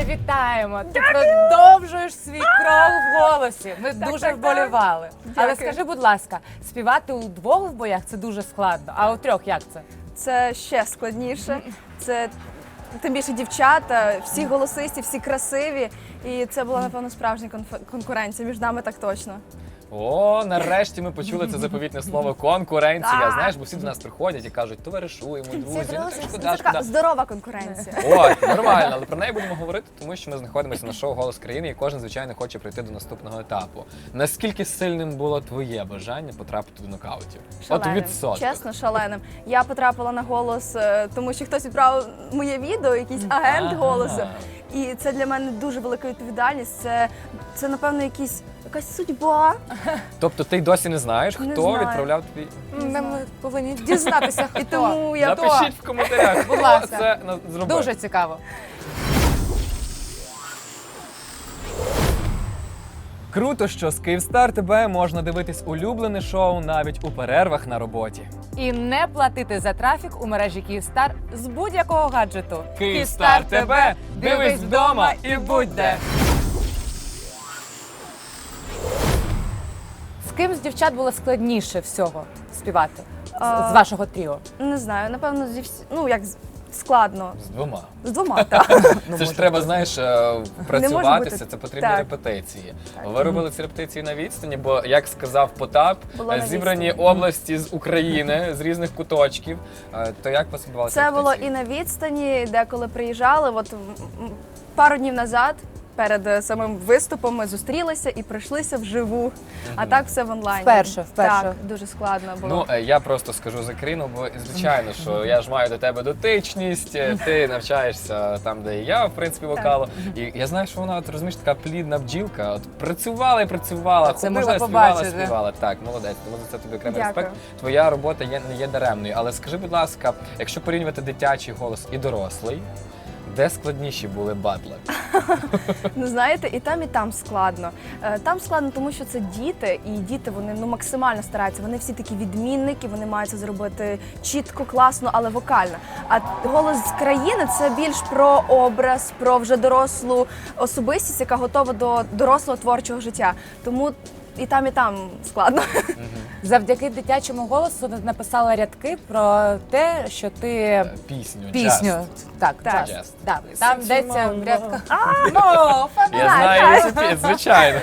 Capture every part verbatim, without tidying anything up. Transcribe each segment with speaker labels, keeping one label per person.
Speaker 1: вітаємо! Ти продовжуєш свій крок в голосі. Ми
Speaker 2: Так,
Speaker 1: дуже
Speaker 2: так,
Speaker 1: вболівали.
Speaker 2: так.
Speaker 1: Але
Speaker 2: Дякую.
Speaker 1: скажи, будь ласка, співати у двох в боях це дуже складно, а у трьох як це?
Speaker 2: Це ще складніше. Це тим більше дівчата, всі голосисті, всі красиві. І це була, напевно, справжня конф- конкуренція між нами так точно.
Speaker 3: О, нарешті ми почули це заповітне слово конкуренція.
Speaker 2: Так.
Speaker 3: Знаєш, бо всі до нас приходять і кажуть, товаришуємо, друзі, ну так
Speaker 2: Це
Speaker 3: шкода,
Speaker 2: така
Speaker 3: шкода.
Speaker 2: здорова конкуренція.
Speaker 3: От, нормально, але про неї будемо говорити, тому що ми знаходимося на шоу «Голос країни» і кожен, звичайно, хоче прийти до наступного етапу. Наскільки сильним було твоє бажання потрапити до нокаутів? От
Speaker 2: Шаленим.
Speaker 3: відсотках.
Speaker 2: Чесно, шаленим. Я потрапила на голос, е, тому що хтось відправив моє відео, якийсь агент
Speaker 3: Ага.
Speaker 2: голосу. І це для мене дуже велика відповідальність. Це, це напевно, якісь, якась судьба.
Speaker 3: Тобто ти й досі не знаєш,
Speaker 2: Не
Speaker 3: хто
Speaker 2: знаю.
Speaker 3: відправляв тобі?
Speaker 1: Ми повинні дізнатися, хто.
Speaker 2: І тому я
Speaker 3: Напишіть в коментарях,
Speaker 1: Будь
Speaker 3: хто
Speaker 1: ласка.
Speaker 3: це на- зробив.
Speaker 1: Дуже цікаво.
Speaker 4: Круто, що з Київстар ТБ можна дивитись улюблене шоу навіть у перервах на роботі.
Speaker 1: І не платити за трафік у мережі Київстар з будь-якого гаджету.
Speaker 4: Київстар ТБ, дивись вдома і будь де.
Speaker 1: З ким з дівчат було складніше всього співати? З,
Speaker 2: А,
Speaker 1: з вашого тріо?
Speaker 2: не знаю, напевно, зі всі... ну як з- складно.
Speaker 3: З двома.
Speaker 2: З двома, так.
Speaker 3: Це ж треба, знаєш, е, працюватися,
Speaker 2: бути-
Speaker 3: це потрібні
Speaker 2: так.
Speaker 3: репетиції.
Speaker 2: Так.
Speaker 3: Ви робили ці репетиції на відстані, бо, як сказав Потап,
Speaker 2: Було
Speaker 3: е,
Speaker 2: на
Speaker 3: зібрані
Speaker 2: відстані.
Speaker 3: області з України, з різних куточків. Е, То як у вас відбувалися
Speaker 2: Це було
Speaker 3: репетиції?
Speaker 2: і на відстані, деколи приїжджали. От м, м, пару днів назад, перед е, самим виступом, ми зустрілися і пройшлися вживу. А так все в онлайні.
Speaker 1: Вперше, вперше.
Speaker 2: Так, дуже складно було.
Speaker 3: Ну, е, я просто скажу за Кріну, бо звичайно, що я ж маю до тебе дотичність, е, ти навчаєшся там, де і я, в принципі, вокалу. І я знаю, що вона, от, розумієш, така плідна бджілка. От працювала і працювала,
Speaker 1: Це
Speaker 3: ходила,
Speaker 1: можна
Speaker 3: співала,
Speaker 1: побачити.
Speaker 3: співала. Так, молодець, тому за це тобі окремий
Speaker 2: Дякую.
Speaker 3: респект. Твоя робота є, не є даремною. Але скажи, будь ласка, якщо порівнювати дитячий голос і дорослий, де складніші були батли?
Speaker 2: Ну, знаєте, і там, і там складно. Е, Там складно, тому що це діти, і діти вони ну максимально стараються. Вони всі такі відмінники, вони мають це зробити чітко, класно, але вокально. А голос з країни це більш про образ, про вже дорослу особистість, яка готова до дорослого творчого життя. Тому і там, і там складно.
Speaker 1: Завдяки дитячому голосу написала рядки про те, що ти
Speaker 3: Пісню,
Speaker 1: пісню.
Speaker 3: Just.
Speaker 1: Так,
Speaker 2: Так.
Speaker 1: just.
Speaker 3: Just.
Speaker 1: Так, там
Speaker 3: Sexy
Speaker 1: йдеться в
Speaker 3: mama.
Speaker 1: рядках. Ну,
Speaker 3: Я знаю цю пісню, звичайно.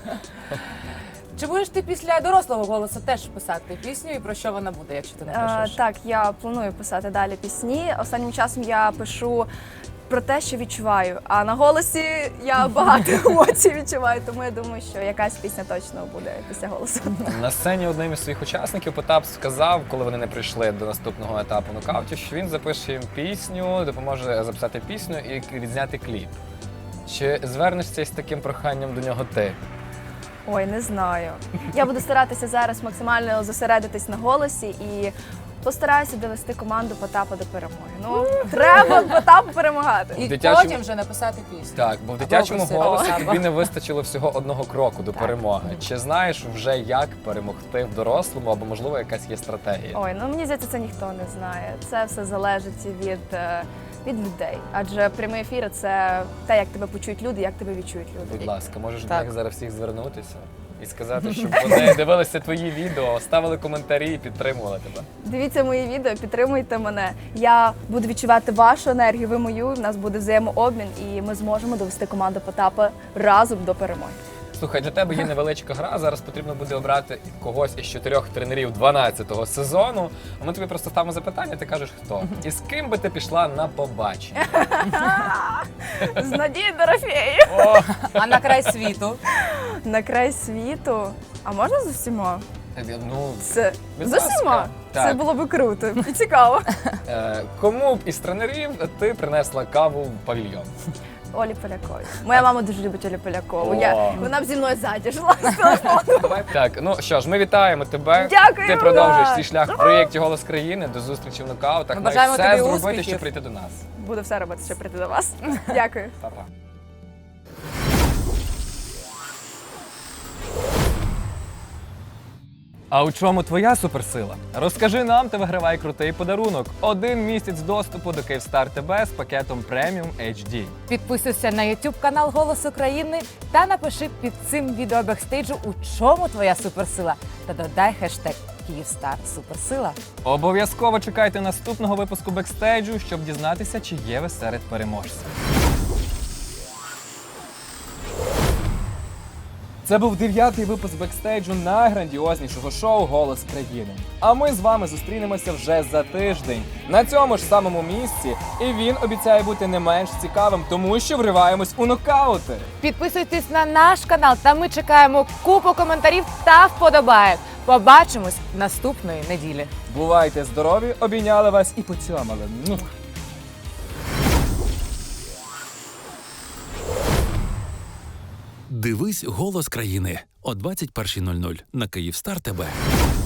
Speaker 1: Чи будеш ти після дорослого голосу теж писати пісню і про що вона буде, якщо ти
Speaker 2: Е,
Speaker 1: напишеш?
Speaker 2: Так, я планую писати далі пісні. Останнім часом я пишу про те, що відчуваю. А на голосі я багато емоцій відчуваю, тому я думаю, що якась пісня точно буде після голосу.
Speaker 3: На сцені одним із своїх учасників Потап сказав, коли вони не прийшли до наступного етапу нокаутів, що він запише їм пісню, допоможе записати пісню і відзняти кліп. Чи звернешся з таким проханням до нього ти?
Speaker 2: Ой, не знаю. Я буду старатися зараз максимально зосередитись на голосі і постараюся довести команду Потапа до перемоги. Ну, треба Потапу перемагати.
Speaker 1: І
Speaker 3: дитячому-
Speaker 1: потім вже написати пісню.
Speaker 3: Так, бо в дитячому
Speaker 1: Або
Speaker 3: голосі
Speaker 1: Василя.
Speaker 3: тобі не вистачило всього одного кроку до перемоги. Чи знаєш вже, як перемогти в дорослому, або, можливо, якась є стратегія?
Speaker 2: Ой, ну мені здається, це ніхто не знає. Це все залежить від, е, від людей. Адже прямий ефір це те, як тебе почують люди, як тебе відчують люди.
Speaker 3: Будь ласка, можеш до
Speaker 1: Так.
Speaker 3: них зараз всіх звернутися і сказати, щоб вони дивилися твої відео, ставили коментарі і підтримували тебе.
Speaker 2: Дивіться мої відео, підтримуйте мене. Я буду відчувати вашу енергію, ви мою. В нас буде взаємообмін, і ми зможемо довести команду Потапа разом до перемоги.
Speaker 3: Слухай, для тебе є невеличка гра. Зараз потрібно буде обрати когось із чотирьох тренерів дванадцятого сезону. А ми тобі просто ставимо запитання, ти кажеш хто. І з ким би ти пішла на побачення?
Speaker 2: З Надією Дорофєєю.
Speaker 3: О,
Speaker 1: А на край світу?
Speaker 2: На край світу. А можна з усіма?
Speaker 3: ну,
Speaker 2: Це
Speaker 3: Будь
Speaker 2: з
Speaker 3: ласка.
Speaker 2: усіма? Це
Speaker 3: Так.
Speaker 2: було би круто і цікаво.
Speaker 3: е, кому б із тренерів ти принесла каву в павільйон?
Speaker 2: Олі Поляковій. Моя мама дуже любить Олю Полякову. Я,
Speaker 3: О.
Speaker 2: вона б зі мною ззаді жила з телефону.
Speaker 3: Так, ну що ж, ми вітаємо тебе.
Speaker 2: Дякую.
Speaker 3: Ти продовжуєш
Speaker 2: Так.
Speaker 3: свій шлях в проєкті «Голос країни». До зустрічі в нокаутах.
Speaker 1: Ми
Speaker 3: Маєш
Speaker 1: бажаємо
Speaker 3: все
Speaker 1: тобі
Speaker 3: зробити,
Speaker 1: успіхів.
Speaker 3: щоб прийти до нас.
Speaker 2: Буду все робити, щоб прийти до вас. Дякую.
Speaker 3: Па-па.
Speaker 4: А у чому твоя суперсила? Розкажи нам та вигравай крутий подарунок. Один місяць доступу до Київстар ТБ з пакетом преміум ейч ді.
Speaker 1: Підписуйся на YouTube канал Голос України та напиши під цим відео бекстейджу, у чому твоя суперсила. Та додай хештег Київстар Суперсила.
Speaker 4: Обов'язково чекайте наступного випуску бекстейджу, щоб дізнатися, чи є ви серед переможців. Це був дев'ятий випуск бекстейджу найграндіознішого шоу «Голос країни». А ми з вами зустрінемося вже за тиждень на цьому ж самому місці. І він обіцяє бути не менш цікавим, тому що вриваємось у нокаути.
Speaker 1: Підписуйтесь на наш канал, та ми чекаємо купу коментарів та вподобаєк. Побачимось наступної неділі.
Speaker 4: Бувайте здорові, обійняли вас і поцьомали. Мух.
Speaker 5: Дивись «Голос країни» о двадцять першій нуль нуль на Київстар ТБ.